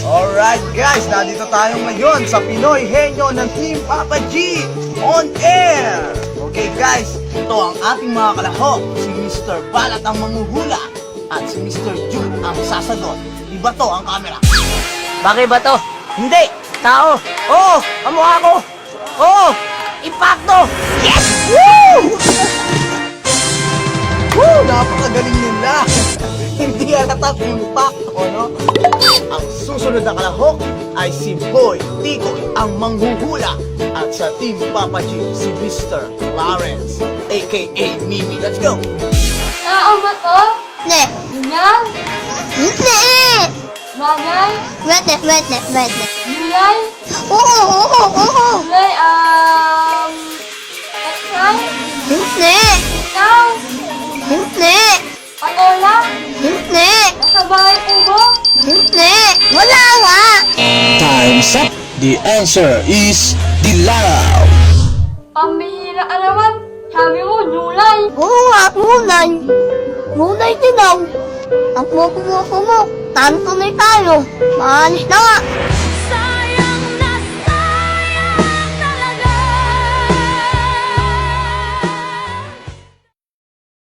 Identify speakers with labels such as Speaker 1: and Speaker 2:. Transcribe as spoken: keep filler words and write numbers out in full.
Speaker 1: Alright guys, nandito tayo ngayon sa Pinoy Henyo ng Team Papa G on air. Okay guys, ito ang ating mga kalahok. Si Mister Balat ang manghuhula at si Mister Jude ang sasagot. Iba to ang camera.
Speaker 2: Bakit ba to?
Speaker 1: Hindi!
Speaker 2: Tao!
Speaker 1: Oo! Kamukha ko!
Speaker 2: Oo! Impacto!
Speaker 1: Yes! Woo! Woo! Napakagaling nila! Hindi halatang impacto, no? Ang susunod na kalahok ay si Boy Tikoy ang manghuhula at sa Team Papa G si Mister Lawrence aka Mimi. Let's go!
Speaker 3: Tao ba to?
Speaker 4: Ne.
Speaker 3: Ganyan?
Speaker 4: Ne.
Speaker 3: Bagay?
Speaker 4: Wete, wete, wete.
Speaker 3: Gulay?
Speaker 4: Oo, oo, oo.
Speaker 3: Gulay, um... Petsay?
Speaker 4: Hindi.
Speaker 3: Ikaw?
Speaker 4: Hindi.
Speaker 3: Patola?
Speaker 4: Hindi.
Speaker 3: Nasa bahay po mo?
Speaker 4: Hindi. Wala nga.
Speaker 5: Time's up. The answer is dilaw.
Speaker 3: Pambihira ka naman. Sabi mo, gulay.
Speaker 4: Oo nga, ngunay. Ngunay din daw. Ang pupo mo, tanto na tayo. Maalis na nga.